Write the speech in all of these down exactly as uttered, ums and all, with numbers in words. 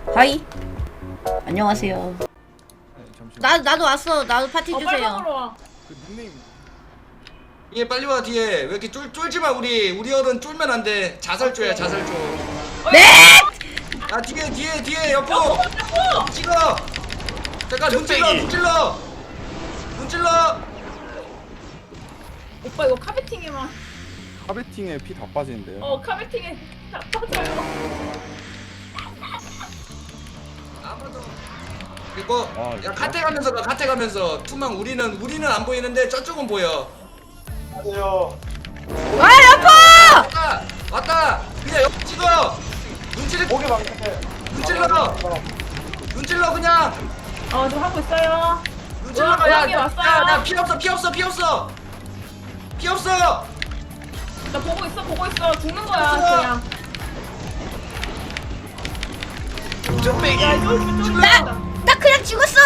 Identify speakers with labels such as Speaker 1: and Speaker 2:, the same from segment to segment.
Speaker 1: 하이. 안녕하세요.
Speaker 2: 네, 잠시만.
Speaker 1: 나 나도 왔어. 나도 파티
Speaker 3: 어,
Speaker 1: 주세요.
Speaker 3: 빨강으로 와.
Speaker 2: 그 닉네임
Speaker 4: 얘 빨리 와 뒤에. 왜 이렇게 쫄 쫄지 마 우리. 우리 어른 쫄면 안 돼. 자살조야 자살조.
Speaker 1: 네!
Speaker 4: 야 뒤에 뒤에 뒤에 여보. 찍어. 잠깐 눈 찔러 눈 찔러. 눈 찔러.
Speaker 3: 오빠 이거 카베팅에만.
Speaker 2: 카베팅에 피 다 빠지는데요.
Speaker 3: 어 카베팅에 다 빠져요.
Speaker 4: 아무도. 그리고
Speaker 2: 아,
Speaker 4: 야 카테 가면서 가 카테 가면서 투망 우리는 우리는 안 보이는데 저쪽은 보여.
Speaker 5: 안녕하세요.
Speaker 1: 아 여보!
Speaker 4: 왔다 왔다. 그냥 옆 찍어. 눈 찔러
Speaker 5: 고개 방패.
Speaker 4: 눈 찔러. 눈 찔러 그냥.
Speaker 3: 어 지금 하고 있어요.
Speaker 4: 눈 찔러.
Speaker 3: 우와,
Speaker 4: 야,
Speaker 3: 우왕이
Speaker 4: 야,
Speaker 3: 왔어요.
Speaker 4: 야, 나 피 없어 피 없어 피 없어. 피 없어.
Speaker 3: 나 보고 있어 보고 있어 죽는 거야
Speaker 4: 없어.
Speaker 3: 그냥.
Speaker 4: 좀
Speaker 3: 야 쫄 쫄.
Speaker 1: 나 나 그냥 죽었어.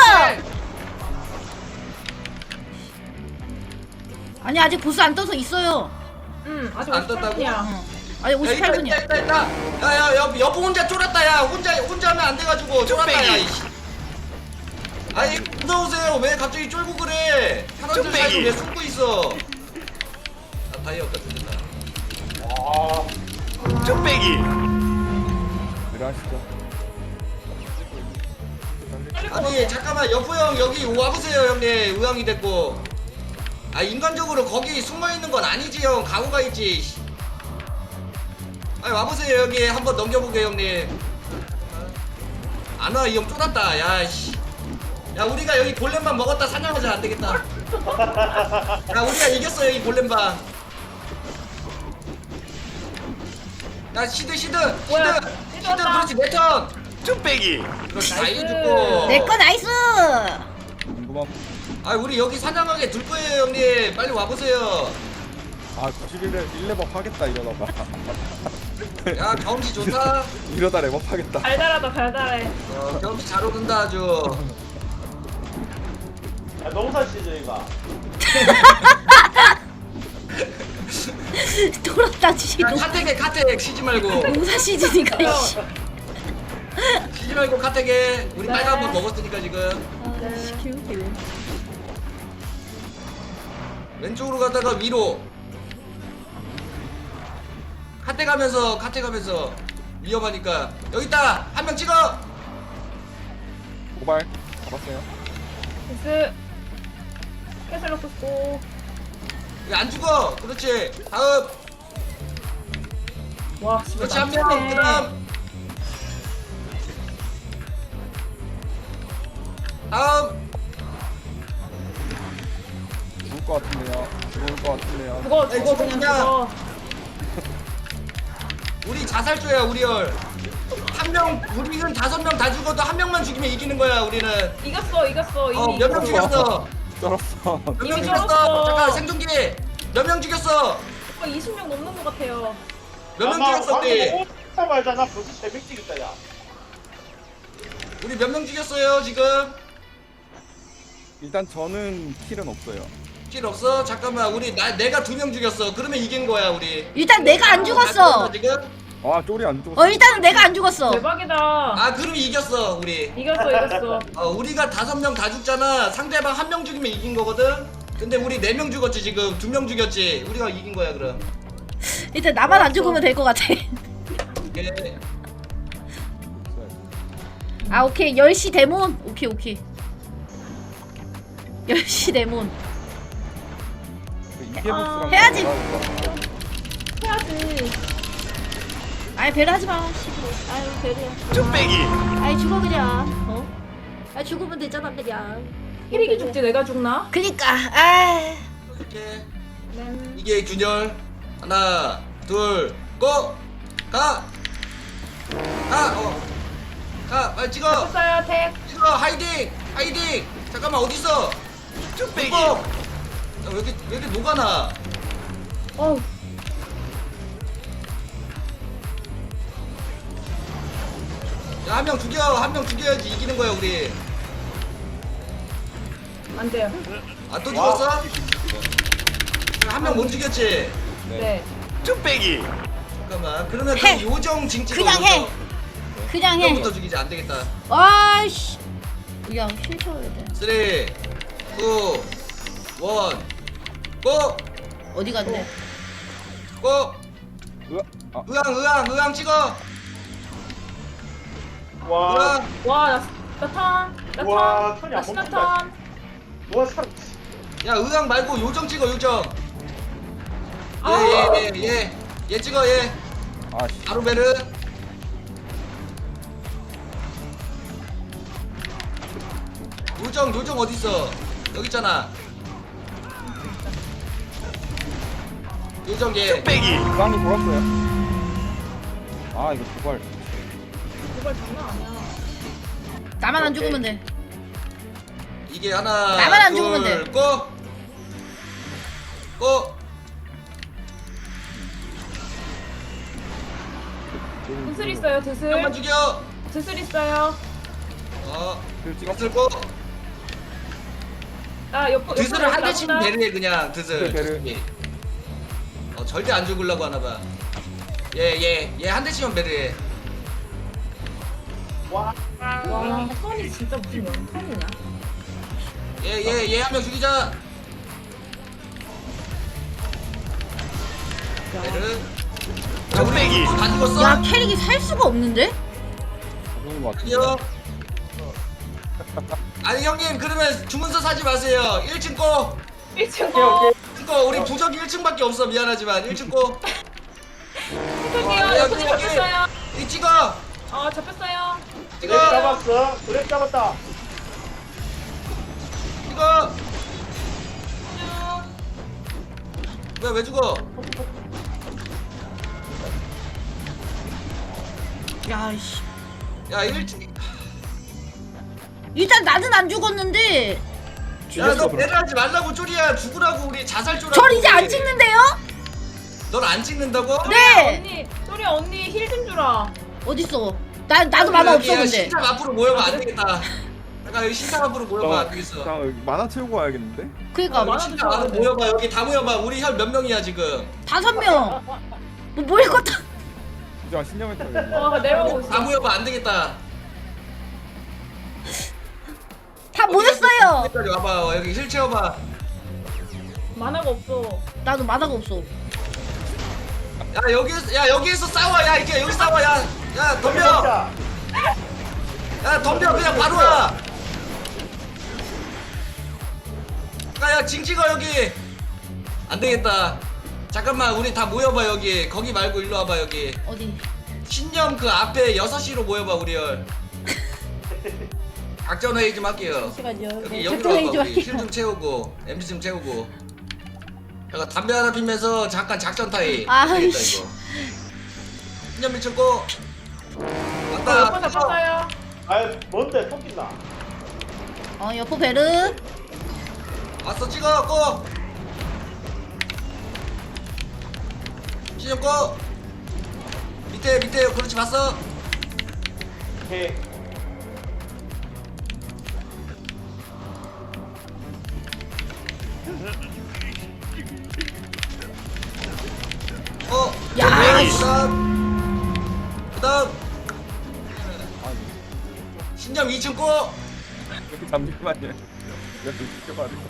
Speaker 1: 아니 아직 보스 안 떠서 있어요.
Speaker 3: 응 아직
Speaker 4: 안 떴다고?
Speaker 3: 오십팔 분이야.
Speaker 1: 어. 아니
Speaker 4: 야, 있다,
Speaker 1: 오십팔 분이야.
Speaker 4: 있다, 있다, 있다. 야, 야, 여, 여보 혼자 쫄았다, 야. 혼자, 혼자 하면 안 돼가지고 쫄았다, 야. 이씨. 아니, 무서우세요. 왜 갑자기 쫄고 그래? 사람들 사이로 왜 숨고 있어? 아, 다이어 없다, 죽겠다.
Speaker 5: 아,
Speaker 2: 내려하시죠.
Speaker 4: 아니, 잠깐만, 여보 형, 여기 와보세요, 형님. 의왕이 됐고. 아, 인간적으로 거기 숨어있는 건 아니지, 형. 가고가 있지. 씨. 아니, 와보세요, 여기. 한번 넘겨보게, 형님. 안 와, 이 형 쫄았다, 야, 씨. 야, 우리가 여기 골렘만 먹었다 사냥하자, 안 되겠다. 야, 우리가 이겼어, 여기 골렘방. 야, 시드, 시드,
Speaker 3: 뭐야,
Speaker 4: 시드,
Speaker 3: 시드
Speaker 4: 시드,
Speaker 3: 왔다.
Speaker 4: 그렇지, 내 턴. 좀 빼기. 그렇지, 다
Speaker 3: 나이스.
Speaker 4: 이겨줬고.
Speaker 1: 내 거 나이스.
Speaker 2: 궁금함.
Speaker 4: 아, 우리 여기 사냥하게 둘 거예요, 형님. 빨리 와보세요.
Speaker 2: 아 구십일 레 일 레벨 하겠다 이러다가.
Speaker 4: 야, 경험치 좋다.
Speaker 2: 이러다 레벨 하겠다.
Speaker 3: 달달하다 달달해.
Speaker 4: 어, 경험치 잘 오른다, 아주.
Speaker 5: 야, 농사 시즌이가.
Speaker 1: 돌았다 지도.
Speaker 4: 야, 카텍에, 카텍. 쉬지 말고.
Speaker 1: 농사 시즌이가 씨.
Speaker 4: 쉬지 말고, 카텍에. 우리
Speaker 3: 네.
Speaker 4: 빨간 번 먹었으니까, 지금.
Speaker 1: 아, 개웃기네.
Speaker 4: 왼쪽으로 가다가 위로. 카테 가면서 카테 가면서 위험하니까 여기 있다. 한 명 찍어.
Speaker 2: 고발 잡았어요.
Speaker 3: 데스. 캐슬 넣고 고.
Speaker 4: 왜 안 죽어? 그렇지. 다음.
Speaker 3: 와 진짜
Speaker 4: 그렇지 한 명.
Speaker 3: 낫네.
Speaker 4: 그다음. 다음.
Speaker 2: 죽을 것 같은데요. 죽을 것 같은데요.
Speaker 3: 그거
Speaker 4: 에이,
Speaker 3: 그거 그냥
Speaker 4: 그냥.
Speaker 3: 그거.
Speaker 4: 우리 자살조야 우리 열. 한 명. 우리는 다섯 명 다 죽어도 한 명만 죽이면 이기는 거야 우리는.
Speaker 3: 이겼어 이겼어 이미.
Speaker 4: 어 몇 명
Speaker 3: 이겼어.
Speaker 4: 죽였어?
Speaker 2: 쩔었어.
Speaker 4: 몇 명
Speaker 3: 이미
Speaker 4: 죽였어?
Speaker 3: 쩔었어.
Speaker 4: 잠깐 생존기. 몇 명 죽였어?
Speaker 3: 오빠 이십 명 넘는 것 같아요.
Speaker 4: 몇 명 죽였어 우리?
Speaker 5: 오자 말잖아. 벌써 새벽 찍었다, 야.
Speaker 4: 우리 몇 명 죽였어요 지금?
Speaker 2: 일단 저는 킬은 없어요.
Speaker 4: 킬 없어? 잠깐만 우리 나 내가 두 명 죽였어. 그러면 이긴 거야 우리.
Speaker 1: 일단 내가 안 죽었어.
Speaker 4: 지금?
Speaker 2: 아 쪼리 안 죽었어.
Speaker 1: 어 일단은 내가 안 죽었어.
Speaker 3: 대박이다.
Speaker 4: 아 그럼 이겼어 우리.
Speaker 3: 이겼어 이겼어.
Speaker 4: 어 우리가 다섯 명 다 죽잖아. 상대방 한 명 죽이면 이긴 거거든. 근데 우리 네 명 죽었지 지금. 두 명 죽였지. 우리가 이긴 거야 그럼.
Speaker 1: 일단 나만 안 죽으면 될 것 같아.
Speaker 4: 이게
Speaker 1: 아 오케이 열 시 데몬. 오케이 오케이. 열 시 데몬.
Speaker 2: 이게 보스랑
Speaker 1: 해야지.
Speaker 3: 해야지.
Speaker 1: 아이 배려 하지 마. 씨발. 아유 배려. 좀 빼기. 아이 죽어 그냥. 어? 아 죽으면 되잖아 그냥.
Speaker 3: 힐이기 죽지 내가 죽나?
Speaker 1: 그니까. 아.
Speaker 4: 이렇게
Speaker 3: 네.
Speaker 4: 이게 균열. 하나 둘 고! 가! 가! 어. 가! 빨리 찍어!
Speaker 3: 했어요 택.
Speaker 4: 찍어! 하이딩! 하이딩! 잠깐만 어딨어? 쭉 빼기! 왜 이렇게 왜 이렇게 녹아나?
Speaker 3: 어우.
Speaker 4: 야 한 명 죽여! 한 명 죽여야지 이기는 거야 우리.
Speaker 3: 안 돼요.
Speaker 4: 아 또 죽었어? 한 명 못 죽였지?
Speaker 3: 네.
Speaker 4: 좀 빼기. 잠깐만. 그러면
Speaker 1: 해.
Speaker 4: 그 요정 징 찍어.
Speaker 1: 그냥 해.
Speaker 4: 요정.
Speaker 1: 그냥 해.
Speaker 4: 이거부터 죽이지 안 되겠다.
Speaker 1: 아이씨. 야, 힐 쳐야 돼.
Speaker 4: 삼, 이, 일, 고!
Speaker 1: 어디 갔네?
Speaker 4: 고!
Speaker 2: 으아, 아,
Speaker 4: 의왕 의왕 의왕 찍어!
Speaker 5: 와,
Speaker 4: 의왕!
Speaker 3: 와, 나, 나 턴. 나
Speaker 5: 와,
Speaker 3: 턴.
Speaker 5: 턴이
Speaker 3: 나
Speaker 5: 안
Speaker 3: 시간
Speaker 5: 멈춘다.
Speaker 3: 턴.
Speaker 5: 와, 사람.
Speaker 4: 야 의왕 말고 요정 찍어 요정!
Speaker 3: 아.
Speaker 4: 얘얘얘얘 찍어 얘!
Speaker 2: 아, 씨.
Speaker 4: 아루베르! 요정 요정 어딨어? 여기 있잖아. 요정 얘.
Speaker 2: 쌍이 돌았어요. 아, 이거 도발.
Speaker 3: 이걸 장난 아니야.
Speaker 1: 나만 안
Speaker 5: 오케이.
Speaker 1: 죽으면 돼.
Speaker 4: 이게 하나
Speaker 1: 나만 안
Speaker 4: 둘,
Speaker 1: 죽으면 돼.
Speaker 4: 고! 고!
Speaker 3: 드슬 있어요,
Speaker 4: 한번
Speaker 3: 드슬.
Speaker 4: 죽여!
Speaker 3: 드슬 있어요.
Speaker 4: 어
Speaker 2: 그 찍었어.
Speaker 4: 드슬 고!
Speaker 3: 나 옆,
Speaker 4: 드슬을 한 대씩
Speaker 3: 나보다.
Speaker 4: 베르해 그냥 드슬
Speaker 2: 베르.
Speaker 4: 예. 어 절대 안 죽으려고 하나봐. 얘얘얘 한 대씩만 베르해.
Speaker 5: 와,
Speaker 3: 와, 턴이 진짜 무슨 영턴이냐?
Speaker 4: 얘 얘 얘 한 명 죽이자. 베르. 야 우리 또다 죽었어?
Speaker 1: 야, 캐릭이 살 수가 없는데?
Speaker 2: 죽은 것 같은데.
Speaker 4: 아니요. 아니 형님 그러면 주문서 사지 마세요. 일 층 꼬.
Speaker 3: 일 층
Speaker 5: 오케이,
Speaker 3: 거.
Speaker 5: 오케이.
Speaker 4: 이거 우리 부적이 일 층밖에 없어. 미안하지만 일 층 꼬.
Speaker 3: 부탁해요.
Speaker 4: 어,
Speaker 3: 옆에
Speaker 4: 여기,
Speaker 3: 잡혔어요.
Speaker 4: 이 찍어.
Speaker 3: 어, 잡혔어요.
Speaker 5: 드랩
Speaker 4: 찍어.
Speaker 5: 잡았어. 드랩 잡았다.
Speaker 4: 찍어.
Speaker 3: 쭉.
Speaker 4: 왜 왜 죽어?
Speaker 1: 야, 씨.
Speaker 4: 야 일 층.
Speaker 1: 일단 나는 안 죽었는데.
Speaker 4: 야너 배려하지 말라고 쪼리야. 죽으라고 우리 자살 쪼라고.
Speaker 1: 절 이제 안 찍는데요?
Speaker 4: 넌안 찍는다고?
Speaker 1: 네.
Speaker 3: 언니, 소리 언니 힐 좀 주라.
Speaker 1: 어딨어? 나, 나도 만화 없어, 근데.
Speaker 4: 신탑 앞으로 모여봐 안 되겠다. 잠깐 여기 신탑 앞으로 모여봐 안 되겠어.
Speaker 2: 잠깐 여기 만화 채우고 와야겠는데?
Speaker 1: 그니까,
Speaker 3: 아,
Speaker 4: 여기
Speaker 3: 많아
Speaker 4: 신탑 앞으로
Speaker 3: 드셔야 돼.
Speaker 4: 모여봐. 여기 다 모여봐. 우리 혈 몇 명이야 지금?
Speaker 1: 다섯 명. 뭐, 뭘 껐다.
Speaker 2: 이제 신념에 따라.
Speaker 3: 어, 내려오고
Speaker 4: 다
Speaker 3: 있어.
Speaker 4: 모여봐 안 되겠다.
Speaker 1: 다 모였어요.
Speaker 4: 여기까지 와봐. 여기 힐 채워봐.
Speaker 3: 만화가 없어.
Speaker 1: 나도 만화가 없어.
Speaker 4: 야 여기에서 야 여기에서 싸워. 야 이렇게 여기 싸워. 야, 야 덤벼.
Speaker 5: 잡자.
Speaker 4: 야 덤벼 그냥 바로 와. 야야 징 찍어 여기. 안 되겠다. 잠깐만 우리 다 모여봐 여기. 거기 말고 일로 와봐 여기.
Speaker 1: 어디?
Speaker 4: 신념 그 앞에 여섯 시로 모여봐 우리 열. 작전 회의 좀 할게요.
Speaker 1: 잠시만요.
Speaker 4: 여기
Speaker 1: 네,
Speaker 4: 여기로
Speaker 1: 작전 회의
Speaker 4: 와봐
Speaker 1: 좀
Speaker 4: 우리. 힐 좀
Speaker 1: 할게요.
Speaker 4: 채우고 엠지 좀 채우고. 제가 담배 하나 피면서 잠깐 작전 타임.
Speaker 1: 아,
Speaker 4: 안 되겠다
Speaker 1: 씨.
Speaker 4: 이거. 신념 미쳤고.
Speaker 3: 어,
Speaker 4: 왔다.
Speaker 3: 옆에 잡혔어요.
Speaker 5: 아, 뭔데? 토끼나.
Speaker 1: 어, 여포 베르.
Speaker 4: 왔어 찍어 고. 신념 고. 밑에 밑에 그렇지 봤어.
Speaker 5: 오케이.
Speaker 4: 어.
Speaker 1: 야,
Speaker 4: 네,
Speaker 1: 씨.
Speaker 4: 그다음. 그다음.
Speaker 2: 아,
Speaker 4: 신념 이 층 고.
Speaker 2: 여기 잠시만요. 내가 좀 지켜봐야 돼.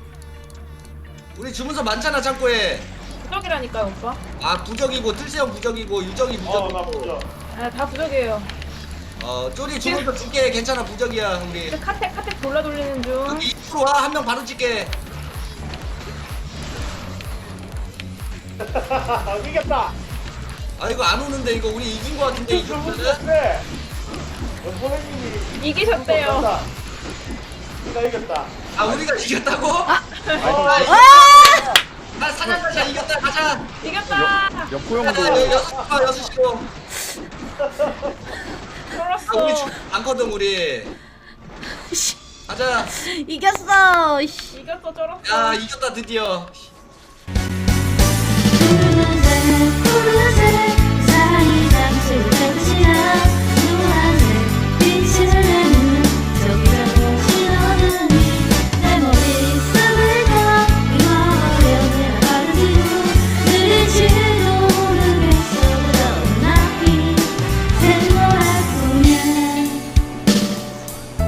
Speaker 4: 우리 주문서 많잖아 창고에.
Speaker 3: 부적이라니까요, 오빠.
Speaker 4: 아 부적이고 틀세형 부적이고 유정이
Speaker 5: 어, 나
Speaker 4: 부적이고.
Speaker 5: 보자.
Speaker 3: 아, 다 부적이에요.
Speaker 4: 어 쪼리 주문서 줄게. 괜찮아 부적이야 우리.
Speaker 3: 근데 카텍, 카텍 돌려 돌리는 중.
Speaker 4: 여기 이쪽으로 와. 한 명 바로 찍게.
Speaker 5: 이겼다.
Speaker 4: 아 이거 안 오는데 이거 우리 이긴 거 같은데 이 정도는?
Speaker 5: 그래. 선생님이
Speaker 3: 이기셨대요.
Speaker 5: 우리가 이겼다.
Speaker 4: 아 우리가 이겼다고?
Speaker 5: 어,
Speaker 1: 아!
Speaker 4: 아 사냥가자 이겼다 가자.
Speaker 3: 이겼다.
Speaker 2: 여포
Speaker 4: 야,
Speaker 2: 형도
Speaker 4: 여기 여섯 시로 여섯 시로. 아 우리
Speaker 3: 쫄았어.
Speaker 4: 주, 많거든 우리.
Speaker 1: 씨,
Speaker 4: 가자.
Speaker 1: 이겼어. 씨.
Speaker 3: 이겼어, 쫄았어.
Speaker 4: 야 이겼다 드디어.